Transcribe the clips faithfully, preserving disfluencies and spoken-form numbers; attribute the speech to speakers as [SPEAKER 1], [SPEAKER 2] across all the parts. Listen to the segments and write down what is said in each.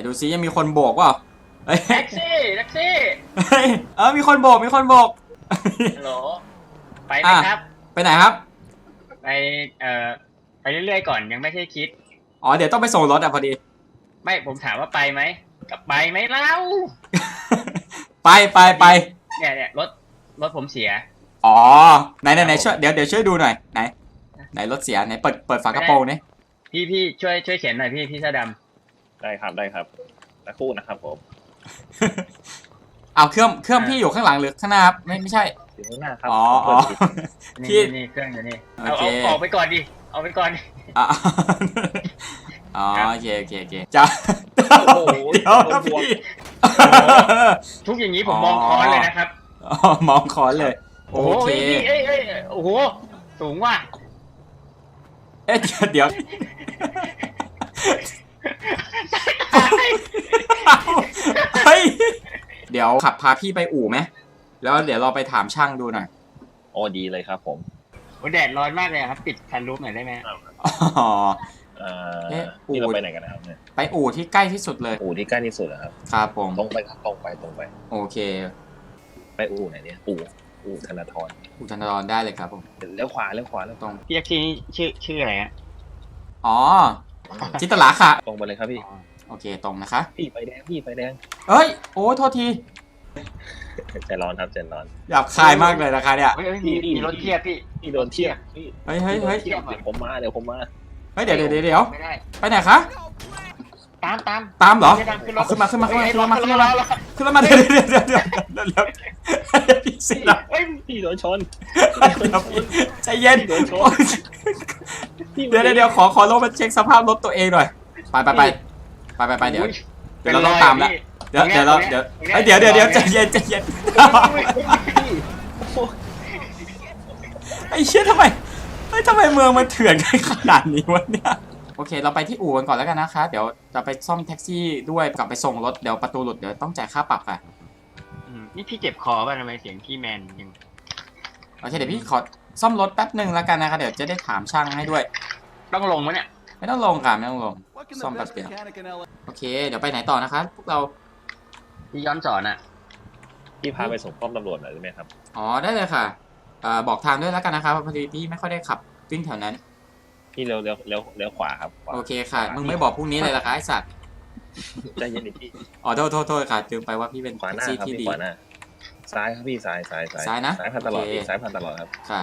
[SPEAKER 1] ดูซิยังมีคนโบกเปล่าเฮ้ย
[SPEAKER 2] แท็กซี่แท็กซี่
[SPEAKER 1] เฮ้ยเออมีคนโบกมีคนโบก
[SPEAKER 2] ฮัลโหลไปไหมครับ
[SPEAKER 1] ไปไหนครับ
[SPEAKER 2] ไปเอ่อไปเรื่อยๆก่อนยังไม่ใช่คิด
[SPEAKER 1] อ๋อเดี๋ยวต้องไปส่งรถอ่ะพอดี
[SPEAKER 2] ไม่ผมถามว่าไปไหมกับไปไหมเล่า
[SPEAKER 1] ไปไปไป
[SPEAKER 2] เนี่ยเนี่ยรถรถผมเสีย
[SPEAKER 1] อ๋อไหนไหนไหนช่วยเดี๋ยวเดี๋ยวช่วยดูหน่อยไหนไหนรถเสียไหนเปิดเปิดฝากระโปรงนี่
[SPEAKER 2] พี่พี่ช่วยช่วยเขียนหน่อยพี่พี่เสื้อด
[SPEAKER 3] ำได้ครับได้ครับสักครู่นะครับผม
[SPEAKER 1] เอาเครื่องเครื่องพี่อยู่ข้างหลังหรือข้างหน้าครับไม่ไม่ใช่
[SPEAKER 3] อยู่ข้างหน้าครับ
[SPEAKER 1] อ๋ออ๋อ
[SPEAKER 2] ำ
[SPEAKER 1] พี่
[SPEAKER 2] นี่นี่เครื่องอยู่นี่เอาเอาออกไปก่อนดิเอาไปก่อน
[SPEAKER 1] อ๋ออ๋อโอเคโอเคโอเคจ้า
[SPEAKER 3] โอ้โห
[SPEAKER 1] เดี๋ยวนะพี่
[SPEAKER 2] ทุกอย่างนี้ผมมองค้อนเลยนะครับ
[SPEAKER 1] อ๋อมองคอนเลยโอ
[SPEAKER 2] โอ้โห
[SPEAKER 1] เค
[SPEAKER 2] พี่เอ้ยเอ้ยโอ้โหสูงว่ะ
[SPEAKER 1] เอ๊ะเดี๋ยวเฮ้ยเดี๋ยวขับพาพี่ไปอู่ไหมแล้วเดี๋ยวเราไปถามช่างดูหน่อย
[SPEAKER 3] โอ้ดีเลยครับผม
[SPEAKER 2] โอ้แดดร้อนมากเลยครับปิดคันรูฟหน่อยได้ไหม
[SPEAKER 1] อ๋อ
[SPEAKER 3] เอ่อที่เราไปไหนกันนะครับเนี่ย
[SPEAKER 1] ไปอู่ที่ใกล้ที่สุดเลย
[SPEAKER 3] อู่ที่ใกล้ที่สุดนะครับ
[SPEAKER 1] ครับผม
[SPEAKER 3] ตรงไปครับตรงไปตรงไป
[SPEAKER 1] โอเค
[SPEAKER 3] ไปอู่ไหนเนี่ยอู่อู่ธนาธร
[SPEAKER 1] อู่ธนาธรได้เลยครับผม
[SPEAKER 3] เลี้ยวขวาเลี้ยวขวาเลี้ยวตรง
[SPEAKER 2] พี่แท็กซี่ชื่อชื่ออะไรฮะ
[SPEAKER 1] อ๋อจิตลาค่ะ
[SPEAKER 3] ตรงไปเลยครับพี่
[SPEAKER 1] โอเคตรงนะคะ
[SPEAKER 3] พี่ไฟแดงพี่ไฟแดง
[SPEAKER 1] เอ้ยโอ้โทษที
[SPEAKER 3] ใจร้อนครับใจร้อน
[SPEAKER 1] หยาบคายมากเลยนะคะเนี่ย
[SPEAKER 2] มีมีรถเทียบพี่
[SPEAKER 3] พี่โดนเทียบพี่
[SPEAKER 1] เฮ้ยเฮ้ยเฮ้ย
[SPEAKER 3] เดี๋ยวผมมาเดี๋ยวผมมา
[SPEAKER 1] เฮ้ยเดี๋ยวเดี๋ยวเดี๋ยวไปไหนคะ
[SPEAKER 2] ตามตาม
[SPEAKER 1] ตามเหรอขึ้นมาขึ้นมาขึ้นมาขึ้นมาขึ้นมาขึ้นมาเดี๋ยวเดี๋ยวเดี๋ยวเดี๋ยวเดี๋ยวเดี๋ยวพี่สิละ
[SPEAKER 3] เฮ้ยพี่โดนชน
[SPEAKER 1] ใจเย็นเดี๋ยวเดี๋ยวเดี๋ยวขอขอลงมาเช็คสภาพรถตัวเองหน่อยไปไปไปไปไปไปเดี๋ยวเดี๋ยวเราต้องตามแล้วเดี๋ยวเดี๋ยวเราเดี๋ยวเดี๋ยวเดี๋ยวเดี๋ยวใจเย็นใจเย็นไอ้เชี่ยทำไมเฮ้ยทำไมเมืองมันเถื่อนขนาดนี้วะเนี่ยโอเคเราไปที่อู่กันก่อนแล้วกันนะคะเดี๋ยวจะไปซ่อมแท็กซี่ด้วยกลับไปส่งรถเดี๋ยวประตูหลุดเดี๋ยวต้องจ่ายค่าปรับค่ะ
[SPEAKER 2] นี่พี่เจ็บคอป่ะทำไมเสียงพี่แมนยัง
[SPEAKER 1] โอเคเดี๋ยวพี่ขอซ่อมรถแป๊บหนึ่งแล้วกันนะคะเดี๋ยวจะได้ถามช่างให้ด้วย
[SPEAKER 2] ต้องลงไหมเนี่ย
[SPEAKER 1] ไม่ต้องลงค่ะไม่ต้องลงซ่อมแป๊บเดียวโอเคเดี๋ยวไปไหนต่อนะคะพวกเรา
[SPEAKER 2] พี่ย้อนสอนอ่ะ
[SPEAKER 3] พี่พาไปส่งป้อมตำรวจหน่อยได้ไหมครับ
[SPEAKER 1] อ๋อได้เลยค่ะบอกทางด้วยแล้วกันนะคะพอดีพี่ไม่ค่อยได้ขับวิ่งแถวนั้น
[SPEAKER 3] พี่เลี้ยวเลี้ยวเลี้ยวเลี้ยวขวาครับ
[SPEAKER 1] โอเคค่ะมึงไม่บอกพรุ่งนี้เลยล่ะคะไอสัตว์
[SPEAKER 3] ใจเย็นดิพี่
[SPEAKER 1] อ๋อโทษโทษโทษค่ะลืมไปว่าพี่เป็น
[SPEAKER 3] ขวาหน้าครับพี่ขวาหน้าซ้ายครับพี่ซ้ายซ้ายซ้าย
[SPEAKER 1] ซ้ายนะ
[SPEAKER 3] ซ้ายผ่านตลอดซ้ายผ่านตลอดครับ
[SPEAKER 1] ค่ะ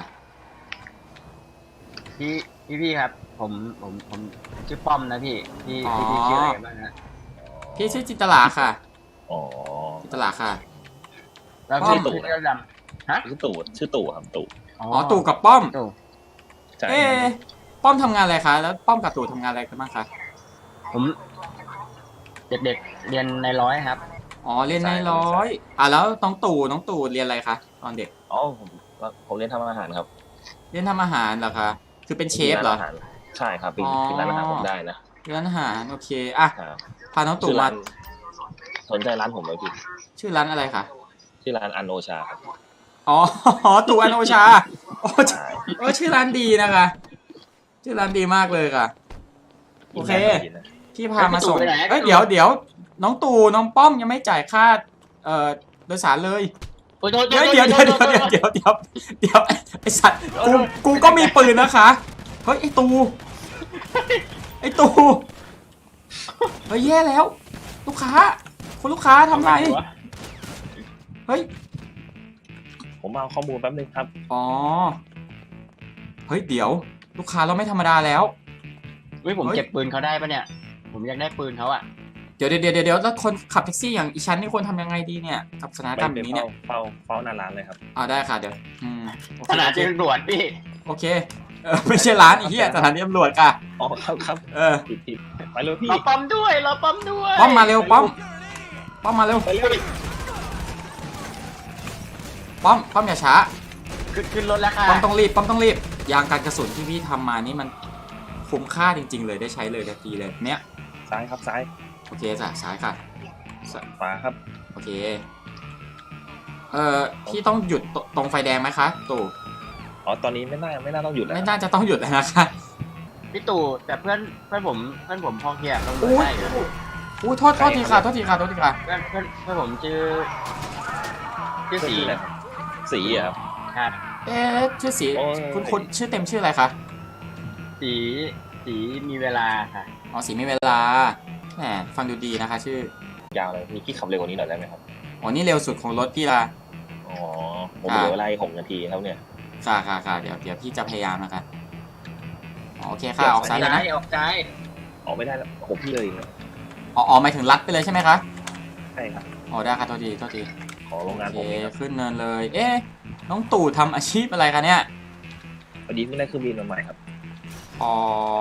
[SPEAKER 2] พี่พี่พี่ครับผมผมผมชื่อป้อมนะพี่พี่พี่ชื่ออะไรบ้างนะ
[SPEAKER 1] พี่ชื่อจิตลาค่ะ
[SPEAKER 3] อ๋อ
[SPEAKER 1] จิตลาค่ะ
[SPEAKER 2] แล้วพี่ตู่ชื่อดำฮะ
[SPEAKER 3] ชื่อตู่ชื่อตู่ครับตู่
[SPEAKER 1] อ๋อตู่กับป้อม
[SPEAKER 3] เอ๊ะ
[SPEAKER 1] ป้อมทำงานอะไรคะแล้วป้อมกับตู่ทำงานอะไรกันบ้างคะ
[SPEAKER 2] ผมเด็กๆเรียนในร้อยครับ
[SPEAKER 1] อ๋อเรียนในร้อยอ่ะแล้วน้องตู่น้องตู่เรียนอะไรคะตอนเด็ก
[SPEAKER 3] อ๋อผมผมเรียนทำอาหารครับ
[SPEAKER 1] เรียนทำอาหารเหรอคะคือเป็นเชฟเหรอ
[SPEAKER 3] ใช่ครับเป็นเป็นร้านอาหารผมได้นะ
[SPEAKER 1] ร้านอาหารโอเคอ่ะพาน้องตู่มา
[SPEAKER 3] สนใจร้านผมไหมพี่
[SPEAKER 1] ชื่อร้านอะไรคะ
[SPEAKER 3] ชื่อร้านอันโอชาครับ
[SPEAKER 1] อ๋อตู่อันโอชาโอ้ชื่อร้านดีนะคะชื่อร้านดีมากเลยค่ะโอเคพี่พามาส่งเอ้ยเดี๋ยวเดี๋ยวน้องตู่น้องป้อมยังไม่จ่ายค่าเอ่อโดยสารเลยเดี๋ยวเดี๋ยวเดี๋ยวเดี๋ยวเดี๋ยวเดี๋ยวเดี๋ยวไอสัตว์กูกูก็มีปืนนะคะเฮ้ยไอตู่ไอตู่เฮ้ยแย่แล้วลูกค้าคุณลูกค้าทำไรเฮ้ย
[SPEAKER 3] ผมเอาข้อมูลแป๊บนึงครับ
[SPEAKER 1] อ๋อเฮ้ยเดี๋ยวลูกค้าเราไม่ธรรมดาแล้ว
[SPEAKER 2] เฮ้ยผมเก็บปืนเขาได้ปะเนี่ยผมอยากได้ปืนเขาอะ
[SPEAKER 1] เดี๋ยวเดี๋ยวเดี๋ยวเดี๋ยวแล้วคนขับแท็กซี่อย่างอีชั้นนี่ควรทำยังไงดีเนี่ยกับสถานการณ์แบบนี้เนี่ย
[SPEAKER 3] เฝ้าเฝ้าหน้าร้านเลยครับ
[SPEAKER 1] อ่าได้ค่ะเดี๋ยวอืม
[SPEAKER 2] สถานีตำรวจพี่
[SPEAKER 1] โอเคเออไม่ใช่ร้านอีเหี้ยสถานีตำรวจค่ะ
[SPEAKER 3] อ๋อครับครับ
[SPEAKER 1] เออ
[SPEAKER 3] ไปเลยพี่
[SPEAKER 2] รอปั๊มด้วยรอปั๊มด้วย
[SPEAKER 1] ป้อมมาเร็วป้อมป้อมมาเร็วป้อมป้อมอย่าช้า
[SPEAKER 2] ขึ้นขึ้นรถแล้วค่ะ
[SPEAKER 1] ป้อมต้องรีบป้อมต้องรีบยางการกระสุนที่พี่ทำมานี่มันคุ้มค่าจริงๆเลยได้ใช้เลยทันทีเลยเนี้ย
[SPEAKER 3] ซ้ายครับซ้าย
[SPEAKER 1] โอเคจ้ะซ้ายค่ะ
[SPEAKER 3] ขวาครับ
[SPEAKER 1] โอเคเอ่อพี่ต้องหยุดตรงไฟแดงไหมคะตู่
[SPEAKER 3] อ๋อตอนนี้ไม่น่าไม่น่าต้องหยุดแล้ว
[SPEAKER 1] ไม่น่าจะต้องหยุดแล้วนะคะ
[SPEAKER 2] พี่ตู่แต่เพื่อนเพื่อนผมเพื่อนผมพอเพียงต้องได้
[SPEAKER 1] อุ้ยโทษโทษทีค่ะโทษทีค่ะโทษทีค่ะ
[SPEAKER 2] เพื่อนเพื่อนเพื่อนผมชื่อชื่อสี
[SPEAKER 3] ชื่ออะไรครับสีอะครับ
[SPEAKER 2] ครับ
[SPEAKER 1] เอ๊ะชื่อสี
[SPEAKER 3] โอ้ย
[SPEAKER 1] คุณคุณชื่อเต็มชื่ออะไรคะ
[SPEAKER 2] สีสีมีเวลาค่ะ
[SPEAKER 1] อ๋อสีมีเวลาแหมฟังดูดีนะคะ ชื่อย
[SPEAKER 3] าวเลยพี่พี่ขับเร็วกว่านี้หน่อยได้ไหมครับ
[SPEAKER 1] อ๋อนี่เร็วสุดของรถพี่ละ
[SPEAKER 3] อ๋อผมเหลือเวลาอีกหกนาทีครับเนี่ย
[SPEAKER 1] ค่ะค่ะค่ะเดี๋ยวเดี๋ยวพี่จะพยายามนะคะอ๋อโอเคค่ะออกซ้ายเลยนะ
[SPEAKER 2] ออกซ้าย
[SPEAKER 3] ออกไม่ได้แล้วผมพี่เลยนะ
[SPEAKER 1] อ๋ออ๋อหมายถึงลัดไปเลยใช่ไหมคะ
[SPEAKER 3] ใช่ครับ
[SPEAKER 1] อ๋อได้ค่ะโทษทีโทษที
[SPEAKER 3] ของโรงงาน
[SPEAKER 1] โอ
[SPEAKER 3] ผม
[SPEAKER 1] เค
[SPEAKER 3] เองครับ
[SPEAKER 1] ขึ้นเนินเลย เอ๊ะน้องตู่ทำอาชีพอะไรคะเนี่ย
[SPEAKER 3] พอดีไม่ได้เครื่องบินมาใหม่ครับ
[SPEAKER 1] อ๋อ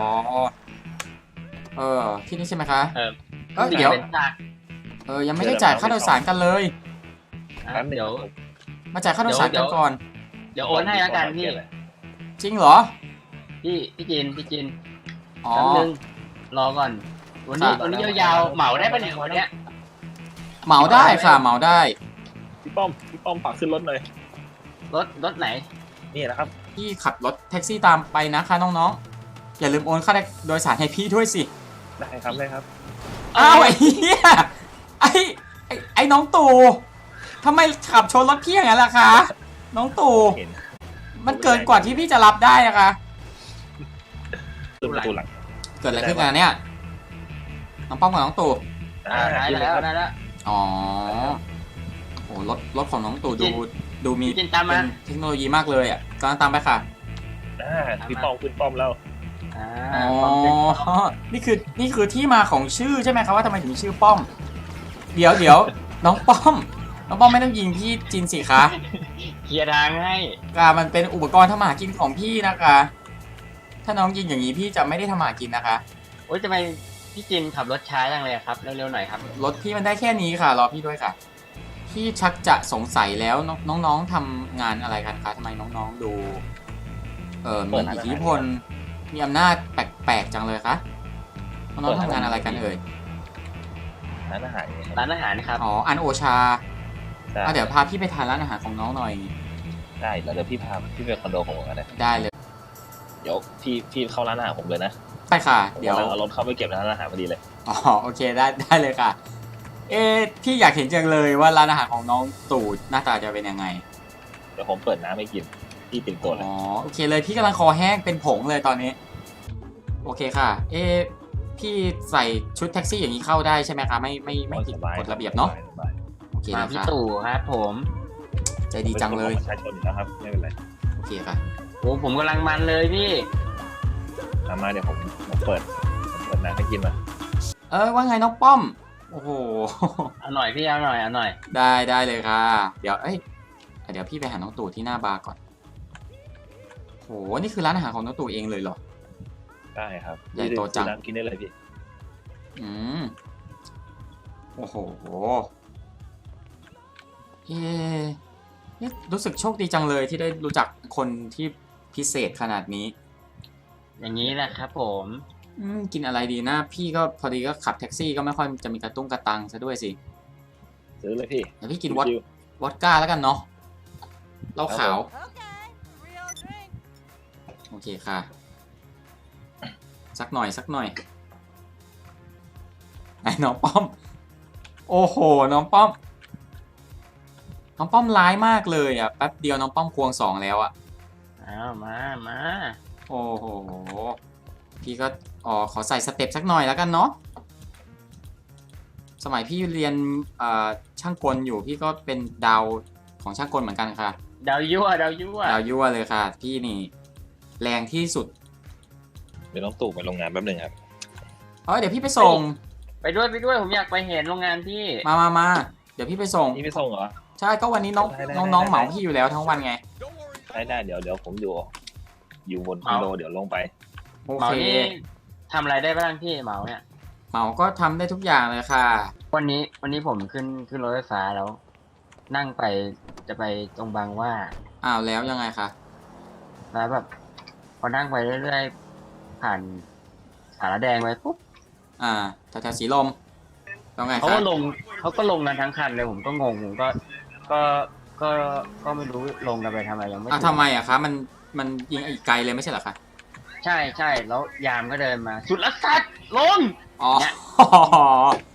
[SPEAKER 1] เออที่นี่ใช่ไหมคะ
[SPEAKER 2] เออ
[SPEAKER 1] เออเดี๋ยว
[SPEAKER 2] เป็นทาง
[SPEAKER 1] เออยังไม่ได้จ่ายค่าโดยสารกันเลย
[SPEAKER 2] อ่ะ
[SPEAKER 3] แป๊บนึง
[SPEAKER 2] เดี๋ยว
[SPEAKER 3] ครับ
[SPEAKER 1] มาจ่ายค่าโดยสาร
[SPEAKER 2] เดี๋
[SPEAKER 1] กั
[SPEAKER 2] ย
[SPEAKER 1] น
[SPEAKER 2] ว
[SPEAKER 1] ก่อน
[SPEAKER 2] เดี๋ยวโอนให้แล้วกันพี่
[SPEAKER 1] จริงเหรอ
[SPEAKER 2] พี่พี่จินพี่จิน
[SPEAKER 1] อ๋อ
[SPEAKER 2] แป๊บนึงรอก่อน วันนี้
[SPEAKER 1] ครับ
[SPEAKER 2] วันนี้ยาวๆเหมาได้ปะเนี่ยวันเนี้ย
[SPEAKER 1] เหมาได้ค่ะเหมาได้
[SPEAKER 3] พี่ป้อมพี่ป้อมฝากขึ้นรถหน่อย
[SPEAKER 2] รถรถไหน
[SPEAKER 3] นี่นะครับ
[SPEAKER 1] พี่ขับรถแท็กซี่ตามไปนะคะน้องๆอย่าลืมโอนค่าโดยสารให้พี่ด้วยสิ
[SPEAKER 3] ได้ครับได้ครับ
[SPEAKER 1] อ้าวไอ้เหี้ยไอ้ไอ้ไอ้น้องตู่ทำไมขับชนรถพี่อย่างนั้นล่ะคะ น้องตู่
[SPEAKER 3] เห็น
[SPEAKER 1] มันเกินกว่าที่พี่จะรับได้นะคะ
[SPEAKER 3] ขึ้นประตูหลัง
[SPEAKER 1] เกิดอะไรขึ้นกันเนี่ยน้องป้อมกับน้องตู่
[SPEAKER 2] อ่าได้แล้วได้แล้ว
[SPEAKER 1] อ๋อโอ้รถรถของน้องตู่ดูดูมี
[SPEAKER 2] พี่จินตาม
[SPEAKER 1] เป็
[SPEAKER 2] มาน
[SPEAKER 1] เทคโนโลยีมากเลยอ่ะกำลังตามไปค่ะ
[SPEAKER 3] อ่าพี่ป้อมขึ้นป้อมแล้ว
[SPEAKER 2] อ่า
[SPEAKER 1] อ๋อ
[SPEAKER 2] ความเป็น
[SPEAKER 1] นี่คือนี่คือที่มาของชื่อใช่ไหมครับว่าทำไมถึงชื่อป้อม เดี๋ยวเดี๋ยวน้องป้อม น้องป้อมไม่ต้องยิงพี่จินสิคะ
[SPEAKER 2] เคลียร์ทางให้
[SPEAKER 1] กามันเป็นอุปกรณ์ทำมาหากินของพี่นะคะ ถ้าน้องยิงอย่างนี้พี่จะไม่ได้ทำมาหากินนะคะ
[SPEAKER 2] โอ๊ยทำไมพี่จินขับรถช้าจังเลยครับ เร็วๆหน่อยครับ
[SPEAKER 1] รถพี่มันได้แค่นี้ค่ะรอพี่ด้วยค่ะ พี่ชักจะสงสัยแล้วน้องน้องๆทำงานอะไรกันคะทำไมน้องๆดู เออมีอิทธิพลมีอำนาจแปลกๆจังเลยคะน้องๆทำงานอะไรกันเอ่ย
[SPEAKER 3] ร้านอาหารเนี่ยครับ
[SPEAKER 2] ร้านอาหารครับ
[SPEAKER 1] อ๋ออันโอชา
[SPEAKER 3] ได้
[SPEAKER 1] อ่ะเดี๋ยวพาพี่ไปทานร้านอาหารของน้องหน่อย
[SPEAKER 3] ได้แล้วเดี๋ยวพี่พาพี่ไปคอนโดของผมกันนะ
[SPEAKER 1] ได้เลย
[SPEAKER 3] เดี๋ยวพี่พี่เข้าร้านอาหารผมเลยนะ
[SPEAKER 1] ได้ค่ะ
[SPEAKER 3] ผม
[SPEAKER 1] เดี๋ยว
[SPEAKER 3] กำลังเอารถเข้าไปเก็บในร้านอาหารพอดีเลย
[SPEAKER 1] อ๋อโอเคได้ได้เลยค่ะ เอ๊ะพี่อยากเห็นจังเลยว่าร้านอาหารของน้องตู่หน้าตาจะเป็นยังไง
[SPEAKER 3] เดี๋ยวผมเปิดน้ำให้กินพี่ติดตัวเลย
[SPEAKER 1] อ๋อโอเคเลยพี่กำลังคอแห้งเป็นผงเลยตอนนี้ โอเคค่ะ เอ๊ะพี่ใส่ชุดแท็กซี่อย่างนี้เข้าได้ใช่ไหมคะไม่ไม่ไม่ผิด
[SPEAKER 3] สบาย
[SPEAKER 1] กฎระเบียบเนาะ
[SPEAKER 3] สบาย
[SPEAKER 1] โอเค
[SPEAKER 2] มา
[SPEAKER 1] นะ
[SPEAKER 2] พี่
[SPEAKER 1] คะ
[SPEAKER 2] ตู่ครับผม
[SPEAKER 1] ใจดีจังเลย
[SPEAKER 3] ประชาชนอยู่แล้วครับไม่เป็นไร
[SPEAKER 1] โอเคค่ะ
[SPEAKER 2] โอ้ผมกำลังมันเลยพี่
[SPEAKER 3] ตามมาเดี๋ยวผมผมเปิดผมเปิดน้ำให้กินมา
[SPEAKER 1] เออว่าไงน้องป้อมโอ้โห
[SPEAKER 2] เอาหน่อยพี่เอาหน่อยเอาหน่อย
[SPEAKER 1] ได้ได้เลยค่ะ เดี๋ยวเอ้ยเดี๋ยวพี่ไปหาน้องตู่ที่หน้าบาร์ก่อนโหนี่คือร้านอาหารของน้องตู่เองเลยเหรอ
[SPEAKER 3] ได้ครับ
[SPEAKER 1] ใหญ่โตจัง
[SPEAKER 3] ซื้อน้ำกินได้เลยพี่
[SPEAKER 1] อืมโอ้โหเอ๊ะเนี่ยรู้สึกโชคดีจังเลยที่ได้รู้จักคนที่พิเศษขนาดนี้
[SPEAKER 2] อย่างนี้แหละครับผม
[SPEAKER 1] อืมกินอะไรดีนะ พี่ก็พอดีก็ขับแท็กซี่ก็ไม่ค่อยจะมีกระตุ้งกระตังซะด้วยสิ
[SPEAKER 3] ซื้อเลยพี่
[SPEAKER 1] เดี๋ยวพี่กินวอด
[SPEAKER 3] ชิว
[SPEAKER 1] วอดก้าแล้วกันเนาะเหล้าขาว โอเคค่ะ สักหน่อยสักหน่อยไอ้น้องป้อม โอ้โห น้องป้อม น้องป้อมร้ายมากเลยอ่ะแป๊บเดียวน้องป้อมควงสองแล้วอ่ะ
[SPEAKER 2] เอามามา
[SPEAKER 1] โอ้โห พี่ก็อ๋อขอใส่สเต็ปสักหน่อยแล้วกันเนาะ สมัยพี่เรียนเอ่อช่างกลอยู่พี่ก็เป็นดาวของช่างกลเหมือนกันค่ะ
[SPEAKER 2] ดาวยั่วดาวยั่ว
[SPEAKER 1] ดาวยั่วเลยค่ะ พี่นี่แรงที่สุด
[SPEAKER 3] ๆเดี๋ยวน้องตู่ไปโรงงานแป๊บหนึงครับ
[SPEAKER 1] เออเดี๋ยวพี่ไปส่ง
[SPEAKER 2] ไปด้วยไปด้วยผมอยากไปเห็นโรงงานพี่
[SPEAKER 1] มามามาเดี๋ยวพี่ไปส่ง
[SPEAKER 3] นี่ไปส่งเหรอ
[SPEAKER 1] ใช่ก็วันนี้น้อง
[SPEAKER 3] ได้ได้
[SPEAKER 1] น้องน้อง
[SPEAKER 3] ได้
[SPEAKER 1] เหมาพี่อยู่แล้วทั้งวันไง
[SPEAKER 3] ได้ได้เดี๋ยวเดี๋ยวผมอยู่อยู่บนคอนโดเดี๋ยวลงไป
[SPEAKER 1] โอ
[SPEAKER 2] เหมา
[SPEAKER 1] เค
[SPEAKER 2] นี่ทำอะไรได้บ้างพี่เหมาเนี่ย
[SPEAKER 1] เหมาก็ทำได้ทุกอย่างเลยค่ะ
[SPEAKER 2] วันนี้วันนี้ผมขึ้นขึ้นรถไฟฟ้าแล้ว นั่งไปจะไปตรงบางหว่า
[SPEAKER 1] อ้าวแล้วยังไงคะ
[SPEAKER 2] แล้วแบบพอนั่งไปเรื่อยๆผ่านสารแดงไปปุ๊บ
[SPEAKER 1] อ่าแถวๆสีลมแล้วไง
[SPEAKER 2] เขา
[SPEAKER 1] คะ
[SPEAKER 2] ก็ลงเขาก็ลงกันทั้งคันเลยผมก็งงผมก็ก็ก็ก็ไม่รู้ลงกันไปทำไมยังไม่
[SPEAKER 1] อ้าว
[SPEAKER 2] ถึง
[SPEAKER 1] ทำไมอะคะมันมันยิงอีกไกลเลยไม่ใช่เหรอคะ
[SPEAKER 2] ใช่ใช่แล้วยามก็เดินมาสุดละสัตว์ลง
[SPEAKER 1] อ๋อ
[SPEAKER 2] เนี่ย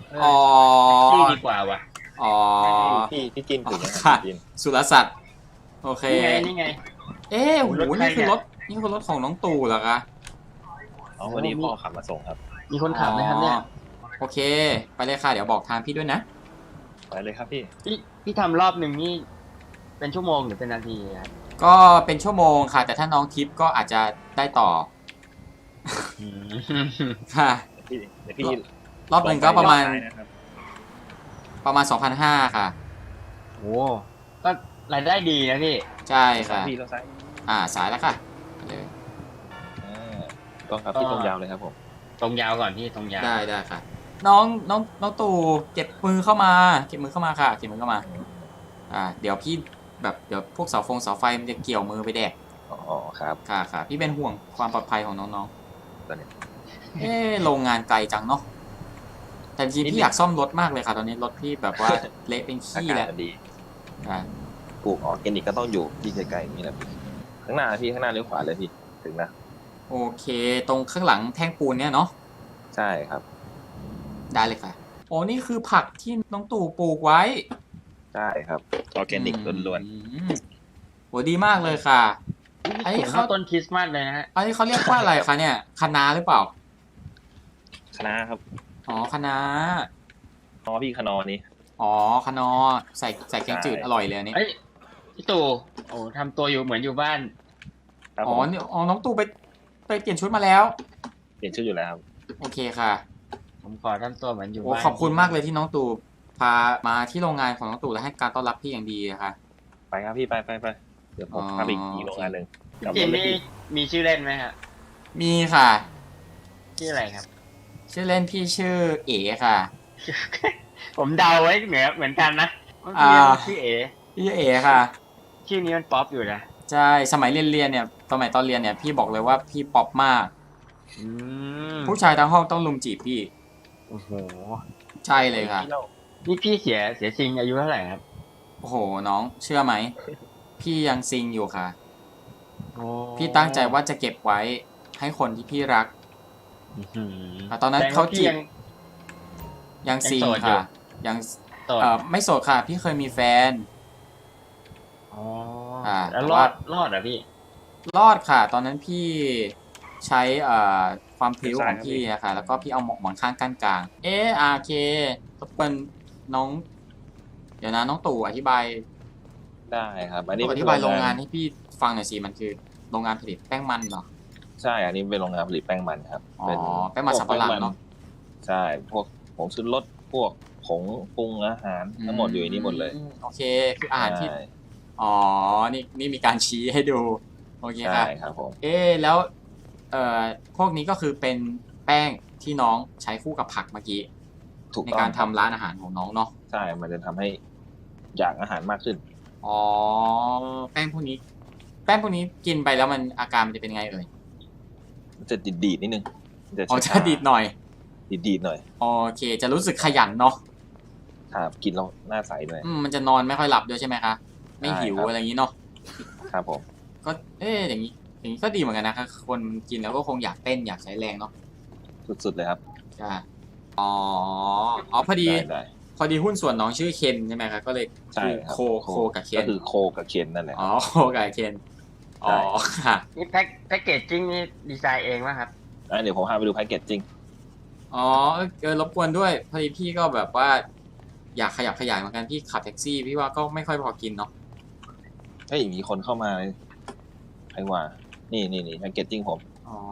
[SPEAKER 2] เออ
[SPEAKER 1] อ๋อ
[SPEAKER 2] ชื่อดีกว่าว่ะ
[SPEAKER 1] อ๋อ
[SPEAKER 3] พี่พี่จินถูกไหมค
[SPEAKER 1] ค่ะ
[SPEAKER 3] รับพี่จิน
[SPEAKER 1] สุรศักดิ์โอเค
[SPEAKER 2] นี่ไงนี่ไง
[SPEAKER 1] เอ๊ะโห
[SPEAKER 2] รถใคร
[SPEAKER 1] นี่คือ
[SPEAKER 2] เนี่ย
[SPEAKER 1] รถนี่คือรถของน้องตู่เหรอคะ
[SPEAKER 3] อ๋อวันนี้พ่อขับมาส่งครับ
[SPEAKER 2] มีคนขับไหมครับเนี่ย
[SPEAKER 1] อ๋อโอเค ไปเลยค่ะ เดี๋ยวบอกทางพี่ด้วยนะ
[SPEAKER 3] ไปเลยครับพี่
[SPEAKER 2] พี่พี่ทำรอบหนึ่งนี่เป็นชั่วโมงหรือเป็นนาทีครับ
[SPEAKER 1] ก็เป็นชั่วโมงค่ะ แต่ถ้าน้องทิปก็อาจจะได้ต่อ
[SPEAKER 2] อืม
[SPEAKER 1] ค่ะ
[SPEAKER 3] เดี๋ยวพี่เดี๋ยวพี่
[SPEAKER 1] รอบหนึ่งก็ประมาณ
[SPEAKER 3] ลองไปนะครับ
[SPEAKER 1] ประมาณ สองพันห้าร้อย ค่ะ
[SPEAKER 2] โอ้ก็รายได้ดีนะพี่
[SPEAKER 1] ใช่
[SPEAKER 3] ครั
[SPEAKER 1] ค่ะ
[SPEAKER 3] บพี่เราซ้าย
[SPEAKER 1] อ่า สายแล้วค่ะไปเลย
[SPEAKER 3] อ่าต้องครับพี่ตรงยาวเลยครับผม
[SPEAKER 2] ตรงยาวก่อนพี่ตรงยาว
[SPEAKER 1] ได้ได้ค่ะ น้องน้องน้องตู่เก็บมือเข้ามา เก็บมือเข้ามาค่ะ เก็บมือเข้ามา อ่า เดี๋ยวพี่แบบเดี๋ยวพวกเสาฟงเสาไฟมันจะเกี่ยวมือไปแดก
[SPEAKER 3] อ๋อครับ
[SPEAKER 1] ค่ะค่ะ พี่เป็นห่วงความปลอดภัยของน้อง
[SPEAKER 3] ตอนนี้
[SPEAKER 1] ๆ เอ๊ะโรงงานไกลจังเนาะ แต่จริงๆพี่อยากซ่อมรถมากเลยค่ะ ตอนนี้รถพี่แบบว่า เละเป็น
[SPEAKER 3] อา
[SPEAKER 1] ขี้
[SPEAKER 3] กาศ
[SPEAKER 1] แล้ว
[SPEAKER 3] มันดี
[SPEAKER 1] อ่า
[SPEAKER 3] ปลูกออร์แกนิกก็ต้องอยู่ที่ไกลๆอย่างนี้นะพี่ข้างหน้าพี่ข้างหน้าเลี้ยวขวาเลยพี่ถึงนะ
[SPEAKER 1] โอเค ตรงข้างหลังแท่งปูนเนี่ยเนาะ
[SPEAKER 3] ใช่ครับ
[SPEAKER 1] ได้เลยค่ะ โอ้นี่คือผักที่น้องตู่ปลูกไว้
[SPEAKER 3] ใช่ครับออร์แกนิกล้วน
[SPEAKER 1] อืมโหดีมากเลยค่ะ ไอ้
[SPEAKER 2] นี่
[SPEAKER 1] เขา
[SPEAKER 2] เขาต้นคริสต์มาสเลยนะฮะ
[SPEAKER 1] อันนี้เขาเรียกว่าอะไรคะเนี่ยคะน้าหรือเปล่า
[SPEAKER 3] ๆคณะครับ
[SPEAKER 1] อ๋อคะน้า
[SPEAKER 3] อ๋อพี่คณะนี้
[SPEAKER 1] อ๋อคะนอใส่ใส่แกงจืด
[SPEAKER 3] ใช่
[SPEAKER 1] อร่อยเลยอันนี้
[SPEAKER 2] เอ้ยพี่ตู่โอ้ทำตัวอยู่เหมือนอยู่บ้าน
[SPEAKER 3] ครับ
[SPEAKER 1] อ๋
[SPEAKER 3] ผ
[SPEAKER 1] อ
[SPEAKER 3] ม
[SPEAKER 1] นี่อ๋อน้องตู่ไปไปเปลี่ยนชุดมาแล้ว
[SPEAKER 3] เปลี่ยนชื่ออยู่แล้วครับ
[SPEAKER 1] โอเคค่ะ
[SPEAKER 2] ผมขอทำตัวเหมือนอยู่
[SPEAKER 1] โอ้
[SPEAKER 2] บ้าน
[SPEAKER 1] ขอบคุณมากเลยที่น้องตู่พามาที่โรงงานของน้องตู่และให้การต้อนรับพี่อย่างดีอะค่ะ
[SPEAKER 3] ไปครับพี่ไปไปไปเดี๋ยวผม
[SPEAKER 1] อ๋อ
[SPEAKER 3] พาไปอีกโรงงานหนึ่ง
[SPEAKER 2] พี่
[SPEAKER 3] กลับ
[SPEAKER 2] จิ
[SPEAKER 3] ร
[SPEAKER 2] น
[SPEAKER 3] ถเลย
[SPEAKER 2] นี่
[SPEAKER 3] พี่
[SPEAKER 2] มีชื่อเล่นไหมฮะ
[SPEAKER 1] มีค่ะ
[SPEAKER 2] ชื่ออะไรครับ
[SPEAKER 1] ชื่อเล่นพี่ชื่อเอ๋ค่ะ
[SPEAKER 2] ผมเดาไว้เหมือนเหมือนกันนะว่า
[SPEAKER 1] อ่า
[SPEAKER 2] พี่ชื่อเอ
[SPEAKER 1] พี่ชื่อเอ๋ค่ะ
[SPEAKER 2] ชื่อนี้มันป๊อปอยู่นะ
[SPEAKER 1] ใช่สมัยเรียนเรียนเนี่ยสมัยตอนเรียนเนี่ยพี่บอกเลยว่าพี่ป๊อปมาก
[SPEAKER 2] อืม
[SPEAKER 1] ผู้ชายทั้งห้องต้องลุมจีบพี่
[SPEAKER 2] โอ้โห
[SPEAKER 1] ใช่เลยค่ะ
[SPEAKER 3] พี่ล่า
[SPEAKER 2] นี่พี่เสียเสียจริงอายุเท่าไหร่ครับ
[SPEAKER 1] โอ้โหน้องเชื่อไหม พี่ยังซิงอยู่ค่ะ
[SPEAKER 2] โอ้
[SPEAKER 1] พี่ตั้งใจว่าจะเก็บไว้ให้คนที่พี่รัก
[SPEAKER 2] อื้อหือ
[SPEAKER 1] แต่ตอนนั้น
[SPEAKER 2] แสดงว่
[SPEAKER 1] เขาจีบ
[SPEAKER 2] พี่ยัง
[SPEAKER 1] ยังซิง
[SPEAKER 2] ยังโสดอยู่
[SPEAKER 1] ค่ะ ยัง
[SPEAKER 2] โสด
[SPEAKER 1] เออไม่โสดค่ะ พี่เคยมีแฟน
[SPEAKER 2] อ๋อ
[SPEAKER 1] อ่า
[SPEAKER 2] แล้ว
[SPEAKER 1] แต่
[SPEAKER 2] รอ
[SPEAKER 1] ว่า
[SPEAKER 2] ดรอดเหรอพี่
[SPEAKER 1] รอดค่ะ ตอนนั้นพี่ใช้เอ่อความพริ้วของพี่อะค่ะ แล้วก็พี่เอาหมอนข้างกั้นกลาง เอออาเครบกวนน้อง เดี๋ยวนะน้องตู่อธิบาย
[SPEAKER 3] ได้ครับ อันนี้
[SPEAKER 1] ตู่อ
[SPEAKER 3] เป็น
[SPEAKER 1] ธิบายโรงงานให้พี่ฟังหน่อยสิมันคือโรงงานผลิตแป้งมันเหรอ
[SPEAKER 3] ใช่อันนี้เป็นโรงงานผลิตแป้งมันครับ
[SPEAKER 1] อ๋อ
[SPEAKER 3] เป็น
[SPEAKER 1] แป้งมันสำปะหลังเนอะ
[SPEAKER 3] ใช่พวกผงชูรสพวกผงปรุงอาหารทั้งหมดอยู่ในนี้หมดเลย
[SPEAKER 1] อืโอเค คืออาหารที่
[SPEAKER 3] ใช่
[SPEAKER 1] อ๋อ นี่นี่มีการชี้ให้ดู โอเค
[SPEAKER 3] ใช่
[SPEAKER 1] ค่ะ
[SPEAKER 3] ครับผม
[SPEAKER 1] เอ๊ะแล้ว เอ่อ พวกนี้ก็คือเป็นแป้งที่น้องใช้คู่กับผักเมื่อกี้
[SPEAKER 3] ถูก
[SPEAKER 1] ใน
[SPEAKER 3] ต้อง
[SPEAKER 1] การทำร้านอาหารของน้องเนาะ
[SPEAKER 3] ใช่ มันจะทำให้อยากอาหารมากขึ้น
[SPEAKER 1] อ๋อ แป้งพวกนี้ แป้งพวกนี้กินไปแล้วมันอาการมันจะเป็นไงเอ่ย
[SPEAKER 3] มันจะดีดดีดๆนิดนึงมันจะ
[SPEAKER 1] อ๋อจะ
[SPEAKER 3] ช้าๆ
[SPEAKER 1] ดีดหน่อย
[SPEAKER 3] ดีดดีดๆหน่อย
[SPEAKER 1] โอเค จะรู้สึกขยันเนาะ
[SPEAKER 3] ครับกินแล้วหน้าใสด้วย
[SPEAKER 1] อืมมันจะนอนไม่ค่อยหลับด้วยใช่ไหมคะ ไม่หิว
[SPEAKER 3] ใช่ครับ
[SPEAKER 1] อะไรอย่างนี้เนาะ
[SPEAKER 3] ครับผม
[SPEAKER 1] ก็เอ๊ะอย่างนี้ อย่างนี้ก็ดีเหมือนกันนะคะคนกินแล้วก็คงอยากเต้นอยากใช้แรงเนาะ
[SPEAKER 3] สุดๆเลยครับ
[SPEAKER 1] ใช่อ๋อ อ๋อพอดี
[SPEAKER 3] ได้ได้
[SPEAKER 1] พอดีหุ้นส่วนน้องชื่อเคนใช่ไหมครับก็เลย
[SPEAKER 3] ใช่ครับ
[SPEAKER 1] โคโคกับเคน
[SPEAKER 3] ก็คือโคกับเคนนั่นแหละ
[SPEAKER 1] อ๋อโคกับเคนอ๋อ
[SPEAKER 3] ใช่
[SPEAKER 1] ค่ะ
[SPEAKER 2] นี่แพ็คแพ็กเกจจิ้งนี่ดีไซน์เองป่ะครับ
[SPEAKER 3] อ่ะเดี๋ยวผมพาไปดูแพ็กเกจจริง
[SPEAKER 1] อ๋อเออรบกวนด้วยพอดีพี่ก็แบบว่า อยากขยับขยายเหมือนกันพี่ขับแท็กซี่พี่ว่าก็ไม่ค่อยพอกินเนาะ
[SPEAKER 3] เฮ้ยมีคนเข้ามาเลยใครว่า นี่นี่นี่แพ็กเกจจริงผม
[SPEAKER 1] อ๋อ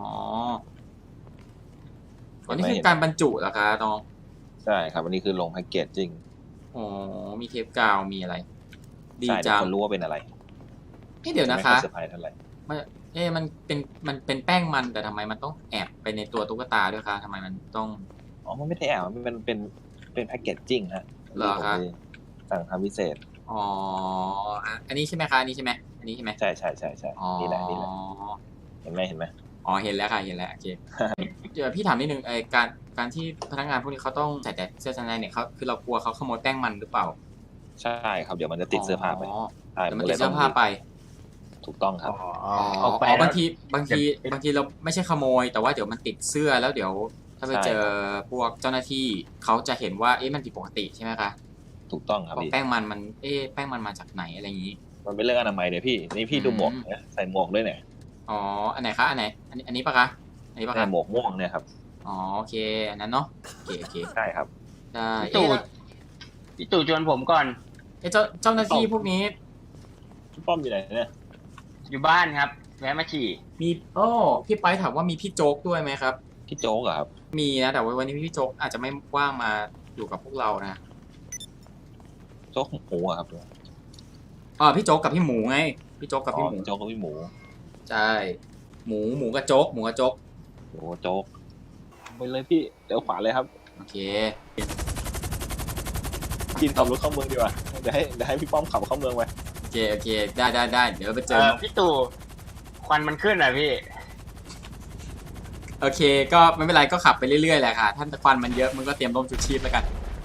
[SPEAKER 1] อันนี้คือการบรรจุเหรอคะน้อง
[SPEAKER 3] ใช่ครับอันนี้คือลงแพ็กเกจจริง
[SPEAKER 1] อ๋อมีเทปกาวมีอะไร ดี
[SPEAKER 3] ใช่เดี๋ย
[SPEAKER 1] จั
[SPEAKER 3] ว
[SPEAKER 1] ง
[SPEAKER 3] คนรู้ว่าเป็นอะไร
[SPEAKER 1] เอ๊ะเดี๋ยวนะ
[SPEAKER 3] ไม่
[SPEAKER 1] คะ
[SPEAKER 3] อยเซอร์ไพรส์เท่าไหร่
[SPEAKER 1] มันเอ๊ะมันเป็นมันเป็นแป้งมันแต่ทำไมมันต้องแอบไปในตัวตุ๊กตาด้วยคะทำไมมันต้อง
[SPEAKER 3] อ๋อมันไม่ได้แอบมันเป็นเป็นเป็นแพ็กเกจจริงฮะ
[SPEAKER 1] เหรอคะ
[SPEAKER 3] ที่ผมไปสั่งทำพิเศษ
[SPEAKER 1] อ๋ออ่ะอันนี้ใช่ไหมคะอันนี้ใช่ไหมอันนี้ใช่ไหม
[SPEAKER 3] ใช่ใช่ใช่ใช่
[SPEAKER 1] อ๋อ
[SPEAKER 3] นี่แหละนี่แหละเห็นไหมเห็นไหม
[SPEAKER 1] อ๋อเห็นแล้วค่ะเห็นแล้วโอเค เดี๋ยวพี่ถามนิดนึงไอการการที่พนักงานพวกนี้เขาต้องใส่แต่เสื้อชั้นในเนี่ยเขาคือเรากลัวเขาขโมยแป้งมันหรือเปล่า
[SPEAKER 3] ใช่ครับเดี๋ยวมันจะติดเสื้อผ้าไป
[SPEAKER 1] อ๋อ
[SPEAKER 3] ใช่
[SPEAKER 1] เดี๋ยวมัน
[SPEAKER 3] ก็ล
[SPEAKER 1] ติดเสื้อผ้าไป
[SPEAKER 3] ถูกต้องครับ
[SPEAKER 2] อ๋อ
[SPEAKER 1] อ๋อ
[SPEAKER 2] เอาไป
[SPEAKER 1] อ๋อบาง
[SPEAKER 2] แล้ว
[SPEAKER 1] ทีบางที
[SPEAKER 2] เดี๋ยว
[SPEAKER 1] บางทีเราไม่ใช่ขโมย แต่ว่าเดี๋ยวมันติดเสื้อแล้วเดี๋ยวถ้าไปเจอพวกเจ้าหน้าที่เขาจะเห็นว่าเอ๊ะมันผิดปกติใช่ไหมคะ
[SPEAKER 3] ถูกต้องครับ
[SPEAKER 1] บอก
[SPEAKER 3] พี่
[SPEAKER 1] แป้งมันมันเอ๊ะแป้งมันมาจากไหนอะไรอย่างนี้
[SPEAKER 3] มันเป็นเรื่องอนามัยเนี่ยพี่นี่พี่ดูหมวกนะใส่หมวกด้วยเนี่ย
[SPEAKER 1] อ๋ออันไหนคะอันไหนอันนี้อันนี้ปะคะอันนี้ปะ
[SPEAKER 3] ใส่
[SPEAKER 1] คะ
[SPEAKER 3] หมวกม่วงเนี่ยครับ
[SPEAKER 1] อ๋อโอเคอันนั้นเนาะโอเคโอเค
[SPEAKER 3] ใช่ครับ
[SPEAKER 1] ได้
[SPEAKER 2] พี่ตู่
[SPEAKER 1] เอ๊ะ
[SPEAKER 2] พี่ตู่ชวนผมก่อน
[SPEAKER 1] เอ๊ะเจ้าเจ้าหน้าที่พวกนี้
[SPEAKER 3] พี่ป้อมอยู่ไหนเนี่ย
[SPEAKER 2] อยู่บ้านครับแวะมาฉี่
[SPEAKER 1] มีโอ้พี่ไปถามว่ามีพี่โจ๊กด้วยไหมครับ
[SPEAKER 3] พี่โจ๊กเหรอครับ
[SPEAKER 1] มีนะแต่ว่าวันนี้พี่โจ๊กอาจจะไม่ว่างมาอยู่กับพวกเรานะ
[SPEAKER 3] โจ๊กหมูอะครับ
[SPEAKER 1] อ๋อพี่โจ๊กกับพี่หมูไงพี่โจ๊กกับ
[SPEAKER 3] อ๋
[SPEAKER 1] พี่
[SPEAKER 3] อ
[SPEAKER 1] หมู
[SPEAKER 3] โจ๊กกับพี่หมู
[SPEAKER 1] ใช่หมูหมูกับโจ๊กหมูกับโจ๊ก
[SPEAKER 3] โอ้โจ๊กไปเลยพี่เดี๋ยวขวาเลยครับ
[SPEAKER 1] โอเค
[SPEAKER 3] กินขับรถเข้าเมืองดีกว่าเดี๋ยวให้เดี๋ยวให้พี่ป้อมขับเข้าเมืองไป
[SPEAKER 1] โอเคโอเคได้ได้ได้เดี๋ยวไปเจ
[SPEAKER 2] เอ
[SPEAKER 1] อ
[SPEAKER 2] อพี่ตู่ควันมันขึ้นอ่ะพี่
[SPEAKER 1] โอเคก็ไม่เป็นไรก็ขับไปเรื่อยๆแหละค่ะท่านตะควันมันเยอะมึงก็เตรียมร่มชูชีพแล้วกัน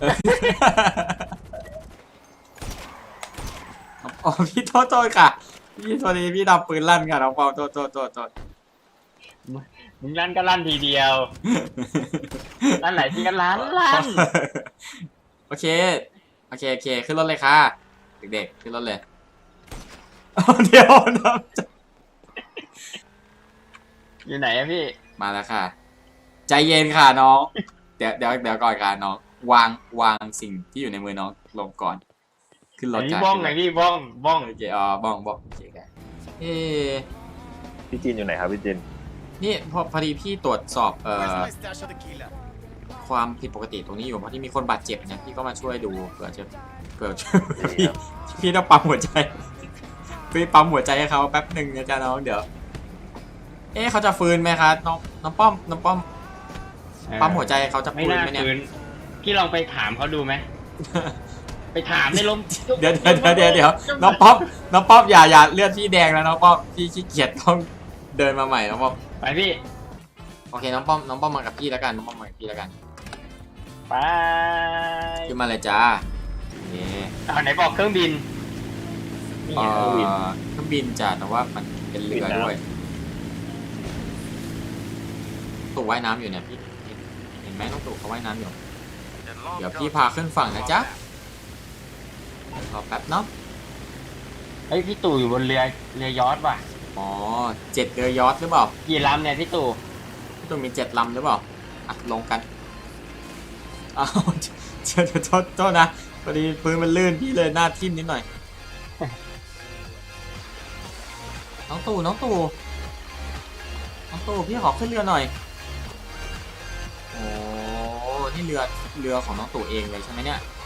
[SPEAKER 1] อ๋อพี่โทษโทษค่ะพี่โทษดีพี่ดับปืนลั่นค่ะน้องปอมโทษโทษโทษโทษ
[SPEAKER 2] มึงลั่นก็ลั่นทีเดียวลั่นไหนที่กันลั่นลั่น
[SPEAKER 1] โอเคโอเคโอเคขึ้นรถเลยค่ะเด็กๆขึ้นรถเลยเอาเดี๋ยวนะ
[SPEAKER 2] อยู่ไหนอะพี่
[SPEAKER 1] มาแล้วค่ะ ใจเย็นค่ะน้อง เดี๋ยวเดี๋ยวเดี๋ยวก่อนค่ะน้องวางวางสิ่งที่อยู่ในมือน้องลงก่อน ขึ้นรถ
[SPEAKER 2] ไอ้
[SPEAKER 1] ค่ะ
[SPEAKER 2] บ้องไงพี่บ้องบ้อง
[SPEAKER 1] โอเคอ๋อบ้องบ้องโอเคค่ะเอ๊ะ
[SPEAKER 3] พี่จีนอยู่ไหนครับพี่จีน
[SPEAKER 1] นี่พอพอดีพี่ตรวจสอบเอ่
[SPEAKER 4] Where's
[SPEAKER 1] อ
[SPEAKER 4] my stash of tequila?
[SPEAKER 1] ความผิดปกติตรงนี้อยู่เพราะที่มีคนบาดเจ็บเนี่ยพี่ก็มาช่วยดูเผื่อจะเผื่อจะ
[SPEAKER 3] ดี
[SPEAKER 1] พี่
[SPEAKER 3] ครับ
[SPEAKER 1] พี่ต้องปั๊มหัวใจ พี่ปั๊มหัวใจให้เขาแป๊บหนึ่งนะจ๊ะน้องเดี๋ยว เอ๊ะเขาจะฟื้นไหมคะน้องน้องป้อมน้องป้อมปั๊มหัวใจเขาจะ
[SPEAKER 2] ไม่
[SPEAKER 1] ฟื้น
[SPEAKER 2] น่า
[SPEAKER 1] ไหมเนี่ย
[SPEAKER 2] คืนพี่ลองไปถามเขาดูไหมไปถามในลม
[SPEAKER 1] เดี๋ยวเดี๋ยวเดี๋ยวเดี๋ยวน้องป้อมน้องป้อมอย่าอย่าเลือดพี่แดงแล้วน้องป้อมพี่ขี้เกียจต้องเดินมาใหม่น้องป้อม
[SPEAKER 2] ไปพี่
[SPEAKER 1] โอเคน้องป้อมน้องป้อมมากับพี่แล้วกันน้องป้อมมากับพี่แล้วกัน
[SPEAKER 2] ไป
[SPEAKER 1] ขึ้นมาเลยจ้าโอเค
[SPEAKER 2] เอาไหนบอกเครื่องบินนี่
[SPEAKER 1] เอ่
[SPEAKER 2] ไง
[SPEAKER 1] อ
[SPEAKER 2] เครื่องบิน
[SPEAKER 1] เครื่องบินจ้ะแต่ว่ามันเป็นเรือด้วยตู่ว่ายน้ำอยู่เนี่ยพี่เห็นไหมน้องตู่เขาว่ายน้ำอยู่ เดี๋ยวพี่พาขึ้นฝั่งนะจ๊ะรอแป๊บเนาะ
[SPEAKER 2] เฮ้ยพี่ตู่อยู่บนเรือเรือยอชต์ว่ะ
[SPEAKER 1] อ๋อเจ็ดเรือยอชต์หรือเปล่า
[SPEAKER 2] กี่ลำเนี่ยพี่ตู่
[SPEAKER 1] พี่ตู่มีเจ็ดลำหรือเปล่าอ่ะลงกันอ้าว เจอโทษโทษนะพอดีพื้นมันลื่นพี่เลยหน้าทิ่มนิดหน่อย น้องตู่น้องตู่น้องตู่พี่ขอขึ้นเรือหน่อยโอ้นี่เรือเรือของน้องตู่เองเลยใช่ไหมเนี่ย